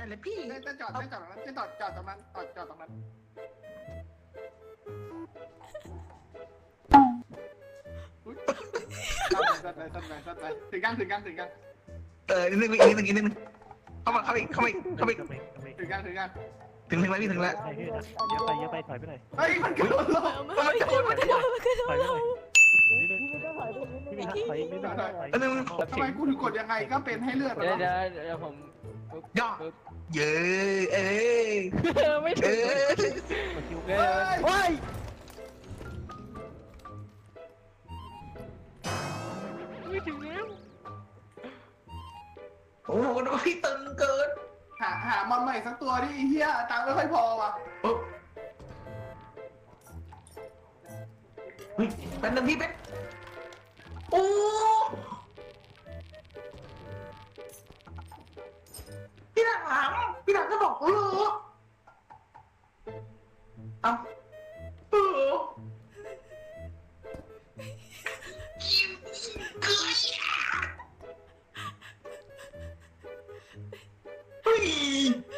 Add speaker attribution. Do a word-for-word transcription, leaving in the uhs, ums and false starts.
Speaker 1: เลยพี่
Speaker 2: เล่นจอดเล่นจอดตรงนั้นเล่นจอดจอดตรงนั้นจอดจอดตรงนั้นสัดไปสัดไปสัดไปถึงยังถึงยังถึงยัง
Speaker 1: เออนิดนึงอีกนิดนึงอีกนิดนึงเข้ามาเข้าไปเข้าไปเข้าไป
Speaker 2: ถึงยังถึงยัง
Speaker 1: ถึงถึงแล้วพี่ถึงแล้ว
Speaker 3: ไปพี่นะเยอะไปเยอะไปถอยไปหน่อย
Speaker 2: เฮ้ยมันกระโดดลง
Speaker 4: มันไม่ขึ้นมันขึ้นมันขึ้น
Speaker 3: ถอยไปหน่อย
Speaker 4: มัน
Speaker 3: นิดนึงพี่มีถอยอีกนิดนึงถอย
Speaker 1: อันนึง
Speaker 2: ทำไมกูถึงกดยังไงก็เป็นให้เลือด
Speaker 5: เดี๋ยวเดี๋ยวเดี๋ยวผม
Speaker 1: ย่อเย้เอ้
Speaker 5: ไม่
Speaker 1: เอ
Speaker 5: ถึง
Speaker 1: อ
Speaker 3: คิว
Speaker 2: เฮ้ย
Speaker 5: โอ้ย
Speaker 3: ไม่ถึงแล้ว
Speaker 1: โอ้โหพี่ตึงเกิน
Speaker 2: หาหามันใหม่สักตัวดิเฮียตังค์ไม่ค่อยพอว่ะ
Speaker 1: เฮ้ยเป็นนึงพี่เป็นโอ้พี่หลังหลังพี่หลังก็บอกเออเอาเออเฮ้ย